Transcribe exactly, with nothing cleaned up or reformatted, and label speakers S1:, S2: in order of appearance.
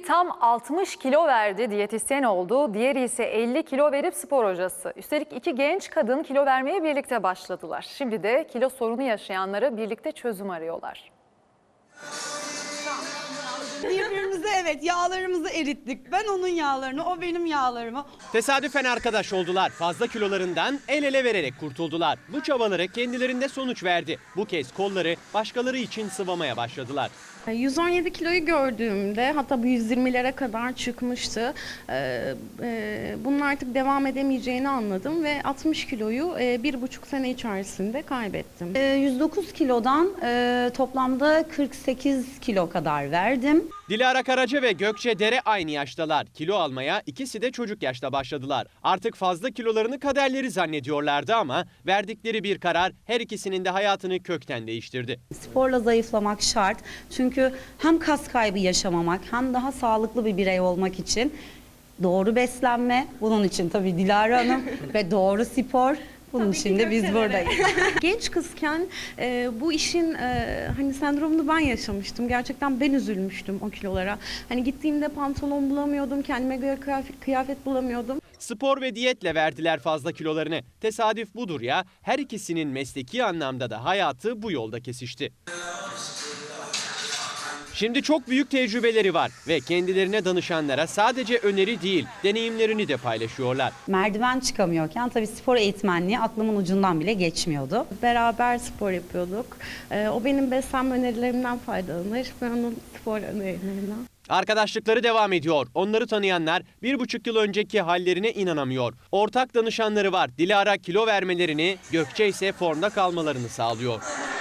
S1: tam altmış kilo verdi, diyetisyen oldu. Diğeri ise elli kilo verip spor hocası. Üstelik iki genç kadın kilo vermeye birlikte başladılar. Şimdi de kilo sorunu yaşayanlara birlikte çözüm arıyorlar.
S2: Birbirimize evet yağlarımızı erittik. Ben onun yağlarını, o benim yağlarımı.
S3: Tesadüfen arkadaş oldular. Fazla kilolarından el ele vererek kurtuldular. Bu çabaları kendilerinde sonuç verdi. Bu kez kolları başkaları için sıvamaya başladılar.
S4: yüz on yedi kiloyu gördüğümde, hatta bu yüz yirmilere kadar çıkmıştı. Ee, e, bunun artık devam edemeyeceğini anladım ve altmış kiloyu e, bir buçuk sene içerisinde kaybettim.
S2: Ee, yüz dokuz kilodan e, toplamda kırk sekiz kilo kadar verdim.
S3: Dilara Karaca ve Gökçe Dere aynı yaştalar. Kilo almaya ikisi de çocuk yaşta başladılar. Artık fazla kilolarını kaderleri zannediyorlardı ama verdikleri bir karar her ikisinin de hayatını kökten değiştirdi.
S2: Sporla zayıflamak şart. Çünkü hem kas kaybı yaşamamak hem daha sağlıklı bir birey olmak için doğru beslenme, bunun için tabii Dilara Hanım ve doğru spor. Bunun için de biz buradayız.
S4: Genç kızken e, bu işin e, hani sendromunu ben yaşamıştım. Gerçekten ben üzülmüştüm o kilolara. Hani gittiğimde pantolon bulamıyordum, kendime göre kıyafet, kıyafet bulamıyordum.
S3: Spor ve diyetle verdiler fazla kilolarını. Tesadüf budur ya, her ikisinin mesleki anlamda da hayatı bu yolda kesişti. Şimdi çok büyük tecrübeleri var ve kendilerine danışanlara sadece öneri değil, deneyimlerini de paylaşıyorlar.
S2: Merdiven çıkamıyorken tabii spor eğitmenliği aklımın ucundan bile geçmiyordu.
S4: Beraber spor yapıyorduk. E, o benim beslenme önerilerimden faydalanır. Ben onun spor önerilerinden.
S3: Arkadaşlıkları devam ediyor. Onları tanıyanlar bir buçuk yıl önceki hallerine inanamıyor. Ortak danışanları var. Dilara kilo vermelerini, Gökçe ise formda kalmalarını sağlıyor.